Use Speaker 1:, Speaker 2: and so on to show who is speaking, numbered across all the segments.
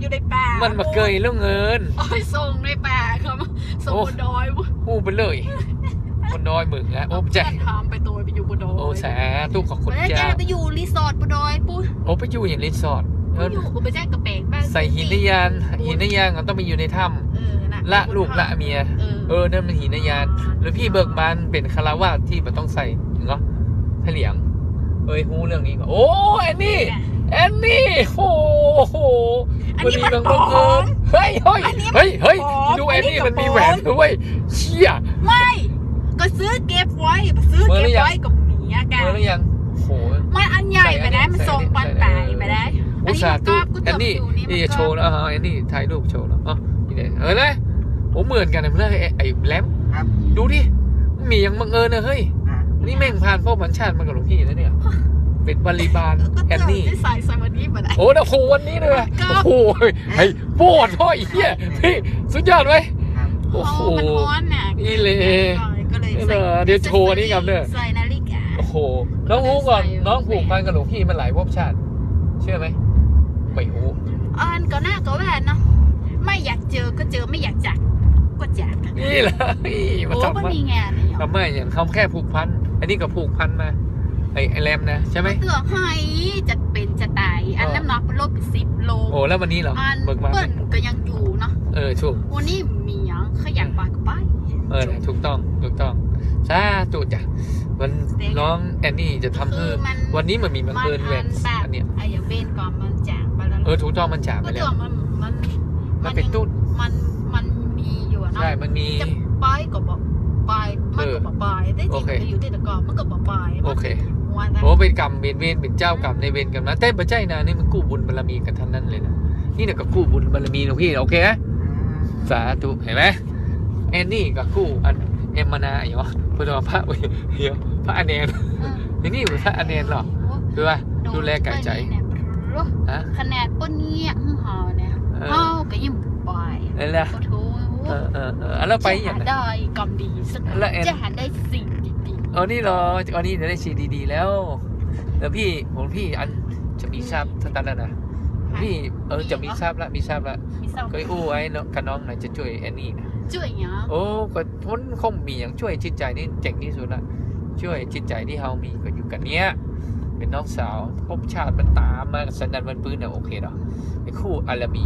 Speaker 1: อยู่ในป่ามัน
Speaker 2: มาเกยแล้วเงิน
Speaker 1: โอ้ยส่งในป่าครับส่งบนดอย
Speaker 2: หูไปเลยบนดอยมึงนะโอ้ใจ
Speaker 1: ทำไปตัวไปอยู่บนดอย
Speaker 2: โอ้แสตู้ของคน
Speaker 1: จ้าไปอยู่รีสอร์ทบนดอยปุ๊
Speaker 2: โอ้ไปอยู่อย่างรีสอร์ท
Speaker 1: อยู่กูไปแจ้งกระเป๋งบ้าง
Speaker 2: ใส่หินนยานต้องไปอยู่ในถ้ำละลูกละเมียนั่นมันหินนยานหรือพี่เบิกบานเป็นคารวาสที่มันต้องใส่เหรอเหลียงฮู้เรื่องนี้ก่อนโอ้แอนนี่โอ้โห
Speaker 1: วันนี้มันบอก
Speaker 2: เฮ้ยดูแอนนี่มันมีแหวนด้วยเชี่ย
Speaker 1: ไม่ก็ซื้อเก็บไว้กับเมียกัน
Speaker 2: เมื่อยังโห
Speaker 1: มันอันใหญ่ไปได้มันทรงปันปลายไปได้
Speaker 2: อุตส่าห์ตู้แอนนี่โชว์แล้วแอนนี่ถ่ายรูปโชว์แล้วนี่เลยเลยโอ้เหมือนกันเลยไอ้แหลมดูดิมียังบังเอิญนะเฮ้ยนี่แม่งผ่านพ่อพันชาติมากับหลวงพี่แล้วเนี่ยเป็นบริบาลแอนนี่
Speaker 1: ใส่วันนี้มาได้
Speaker 2: โอ้โหวันนี้เลยโอ้โหไอ้โบดพ่อไอ้เหี้ยพี่สุดยอดไหม
Speaker 1: โอ้โห
Speaker 2: นี่เลยเดี๋ยวโชว์นี่ครับเนี่ย
Speaker 1: ใส่นาฬิกา
Speaker 2: โอ้โหน้องฮู้ก่อนน้องผูกพันกับหลวงพี่มันหลายภพชาติเชื่อไหมไม่ฮู้
Speaker 1: ก็น่าก็แหวนเนาะไม่อยากเจอก็เจอไม่อยากจากก็จาก
Speaker 2: นี่แหละ
Speaker 1: มาทำว่ามีงาน
Speaker 2: ทำไมอย่างเขาแค่ผูกพันอันนี้ก็ผูกพันมาไอ้แรมนะใช่ไหม
Speaker 1: เตือให้จะเป็นจะตายอันน้ำหนักลดไป10 โล
Speaker 2: โอ้แล้ววันนี้เหรอ
Speaker 1: เปิ้ลก็ยังอยู่เนาะ
Speaker 2: ถูก
Speaker 1: วันนี้มีอย่างขยันไปก็ไป
Speaker 2: ถูกต้องซาจุดจ้ะวันน้องแอนนี่จะทำเพื่อวันนี้มันมีบังเอิญแหวนอันเนี้ย
Speaker 1: ไอ้เวนก่อนมันจากไปแล้ว
Speaker 2: ถูกต้องมันจากไปแล้วมันเป็นตุ้น
Speaker 1: มันมีอยู่เนาะ
Speaker 2: ใช่มันมี
Speaker 1: จะไปก็บอกไปมันก็บอกไปได้จริงจะอยู่ที่ตะกอนมันก็บอกไป
Speaker 2: โอเคโอ้เป็นกรรมเป็นเจ้ากรรมในเวรกันนะแต่ปัจจัยนะนี่มันกู้บุญบารมีกันทั้งนั้นเลยนะนี่เนี่ยก็กู้บุญบารมีหลวงพี่โอเคนะสาธุเห็นไหมแอนนี่กับกู้อันเอ็มมานาอย่างวะพระพระเดี๋ยวพระอเนนอย่างนี้พระอเนนหรอคือว่าดูแลกายใจ
Speaker 1: ขนาดปนเงี้ยห่อเนี่ยห่อก็ยิ่งปล่อย
Speaker 2: นั่นแหละแล้วไปอย่าง
Speaker 1: ได้กรรมดีสักจะหาได้สิ่งดี
Speaker 2: ๆนี่เหรอนี่จะได้สิ่งดีๆแล้วแล้วพี่อันจะมีทราบทั้งนั้นนะพี่จะมีทราบละเคยอู้ไว้กับน้องหน่อยจะช่วยแอนนี่นะ
Speaker 1: ช่วยอย่าง
Speaker 2: โอ้ก็พ้นคงมีอย่างช่วยจิตใจนี่เจ๋งที่สุดละช่วยจิตใจที่เรามีก็อยู่กันเนี้ยเป็นน้องสาวภพชาติมันตามมาสันดานมันปื้นเนี่ยโอเคเนาะไอ้คู่อารามี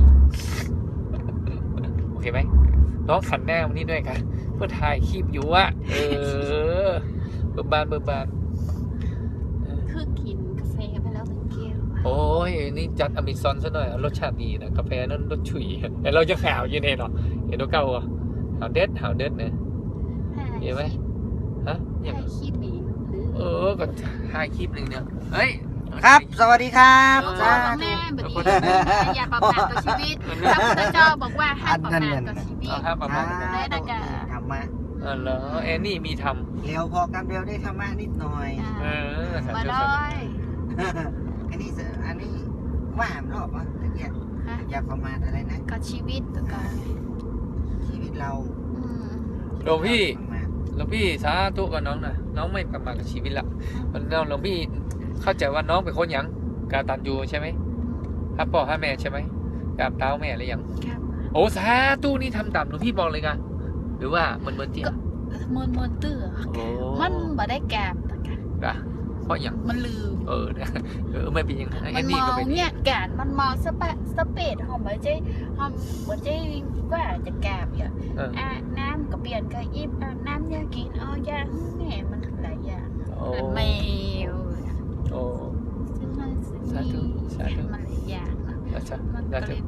Speaker 2: โอเคไหมน้องขันแน่วันนี้ด้วยกันเพื่อถ่ายคลิปอยู่อะเบิร์บาน
Speaker 1: คือกินกาแฟไปแล้วเป็นแก้ว
Speaker 2: โอ้ยนี่จัดอเมซอนซะหน่อยรสชาติดีนะกาแฟนั่นรสฉุยแต่เราจะข่าวอยู่เนี่ยเนาะเห็นตัวเก่าอ่ะข่าวเด็ดเนี่ยเห็นไหมฮะ
Speaker 1: อย่างคลิปอีก
Speaker 2: ก็ถ่ายคลิปหนึ่งเนี่ยเฮ้ย
Speaker 3: ครับสวัสดีครับ
Speaker 1: แม่แบบนี้อย่าประมาทต่อชีวิตพระพุทธเจ้าบอกว่าให้ประมาทต่อชีวิต
Speaker 2: ประมาท
Speaker 1: ได้ดังกา
Speaker 3: ธรรมะ
Speaker 2: เหรอแอนนี่มีท
Speaker 3: ำเร็วพอกันเร็วได้ธรรมะนิดหน่อย
Speaker 1: มาเลย
Speaker 3: อันนี้ว่ามรอบวะอย่าประมาทอะไรนะ
Speaker 1: ก็ชีวิตตัวกัน
Speaker 3: ชีวิตเรา
Speaker 2: หลวงพี่สาธุกับน้องนะน้องไม่ประมาทกับชีวิตละหลวงพี่เข้าใจว่าน้องเป็นคนยังกาตันยูใช่ไหมฮับพ่อฮับแม่ใช่ไหมกราบเท้าแม่หรือยังโอ้สาธุนี่ทำตามหลวงพี่บอกเลยกันหรือว่ามันเตี้ย
Speaker 1: มันเตื้อมันบ่ได้แกมแต่กัน
Speaker 2: เพราะอย่าง
Speaker 1: มันลืม
Speaker 2: ไม่เป็นยังไง
Speaker 1: มันมองเนี่ยแกนมันมองสเปดหอมเหมือนเจ๊ว่าจะแกมอย่างน้ำก็เปลี่ยนก็อิ่มน้ำยากินยาแหน่มันหลายอย่างแมวซึ่งมันหลายอย่างมันก็เลย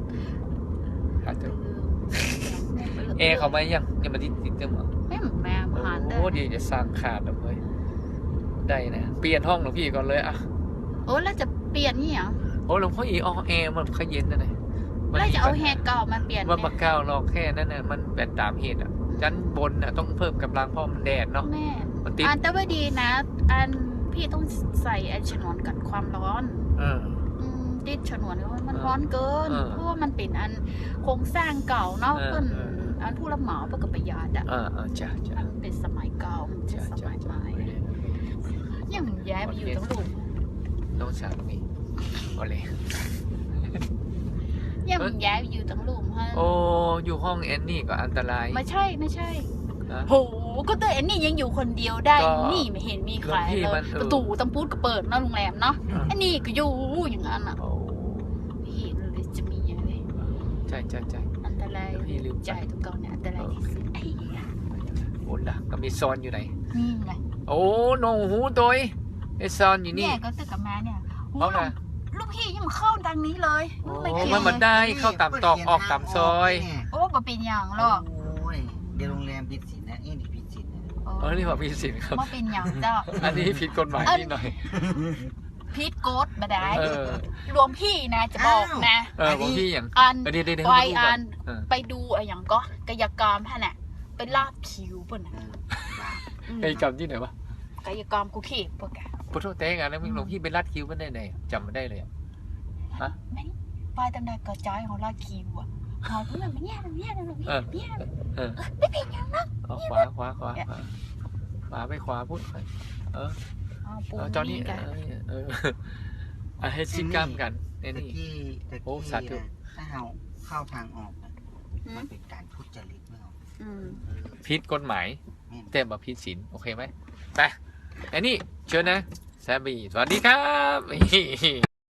Speaker 2: เขาไม่ยังมาติดเต็มหรอ
Speaker 1: ไม่แม่ผ่านได้
Speaker 2: โอ้ดีจะสร้างขาดเลยได้นะเปลี่ยนห้องหลวงพี่ก่อนเลยอ่ะ
Speaker 1: แล้วจะเปลี่ยนนี่เหรอ
Speaker 2: หลวงพ่อแอร์มันขย็นนะเนี่ย
Speaker 1: แล้วจะเอาแฮร์เก่ามาเปลี่ยน
Speaker 2: ว่ามาเก่าลองแค่นั้นน่ะมันแบบตามเหตุอ่ะชั้นบนน่ะต้องเพิ่มกำลังเพราะมันแดดเนาะ
Speaker 1: แม่แต่ว่าดีนะพี่ต้องใส่ฉนวนกันความร้อนติดฉนวนเพราะมันร้อนเกินเพราะว่ามันเป็นโครงสร้างเก่าเนาะเพิ่นผู้รับเหมาเพื่อประหยัด
Speaker 2: จ้ะ
Speaker 1: มันเป็นสมัยเก่าสมัยใหม่ยังย้ายไปอยู่ตรงหลุม
Speaker 2: น้องสาวนี่ก็เลย
Speaker 1: ยังย้ายอยู่ตั้งลุมฮะ
Speaker 2: โอ้อยู่ห้องแอนนี่ก็อันตราย
Speaker 1: ไม่ใช่
Speaker 2: นะ
Speaker 1: โหก็เตอแอนนี่ยังอยู่คนเดียวได้
Speaker 2: ก็
Speaker 1: นี่ไม่เห็นมีใคร
Speaker 2: พี่
Speaker 1: เล
Speaker 2: มั
Speaker 1: ย
Speaker 2: น
Speaker 1: ประตูตั้งพูดก็เปิดเนาะโรงแรมเนาะอันนี้ก็อยู่อย่างนั้นอ่ะ
Speaker 2: โอ้
Speaker 1: พี่เลยจะมีอะไร
Speaker 2: ใช่
Speaker 1: อันตราย
Speaker 2: พี่ลืม
Speaker 1: ใจทุกกองเนี่ยอันตรายที่สุดไอ้ยา
Speaker 2: โหล่ะก็มีซอนอยู่ไหน
Speaker 1: นี่ไง
Speaker 2: โอ้โนหูตัวไอซอนอยู่นี่
Speaker 1: เนี่ยก็ตึกกับแม่เนี่ย
Speaker 2: เอาน่ะ
Speaker 1: ลูกพี่ยังมาเข้าทางนี้เลย
Speaker 2: โอ้
Speaker 1: ไม่เกี่ยว
Speaker 2: มัน
Speaker 1: เล
Speaker 2: มาย ได้เข้าตามตอกออกตามซอย
Speaker 1: โอ้บ่เป็นอย่างหรอก
Speaker 3: โอ้ยเดี๋ยวโรงแรมผิดศีลนะนี่ผิดศีลนะ
Speaker 2: เออนี่ว่าพี่สินครับ
Speaker 1: บ่เป็นอย่างเจ้า
Speaker 2: อันนี้ผิดกฎหมายนิดหน่อย
Speaker 1: พีทโกดมาได้
Speaker 2: เออ
Speaker 1: รวมพี่นะจะบอกนะ
Speaker 2: เออผมพี่อย่าง
Speaker 1: อัน
Speaker 2: เดี๋ยว
Speaker 1: ไป
Speaker 2: ให้ดูก่
Speaker 1: อั
Speaker 2: อน เออ
Speaker 1: ไปดูอะไรอย่างก็กายกรรมฮะน่ะไปลาบคิวป่ะนะ
Speaker 2: ไอ้กรรมที่ไหนวะ
Speaker 1: กายกรรมกูขีดปะแก
Speaker 2: พุทธเต้งอ่ะแล้วมึงหลวงพี่ไปลัดคิ้วมันได้ไหนจำไม่ได้เลยอะ
Speaker 1: ไม่ไปตั้งแต่กระจายของลาดคิวอ่ะหอยเพื่อนมันเนี่ยเนี่ย
Speaker 2: เออ
Speaker 1: ไม่เป็นอย่างนั้น
Speaker 2: เอาขวาขวาไปขวาพูดไปเออ
Speaker 1: ปู
Speaker 2: จอนี่
Speaker 1: กัน
Speaker 2: ให้ซิกล้ามกันไอ้
Speaker 3: ตะ
Speaker 2: นี่
Speaker 3: กี้
Speaker 2: โอ้สาธุ
Speaker 3: ถ้าเราเข้าทางออกน่ะมันเป็นการทุจริตไม่เอา
Speaker 2: ผิดกฎหมาย
Speaker 3: แม่น
Speaker 2: แต่มาผิดศีลโอเคไหมไปไอ้นี่เชิญนะแซมบี้สวัสดีครับ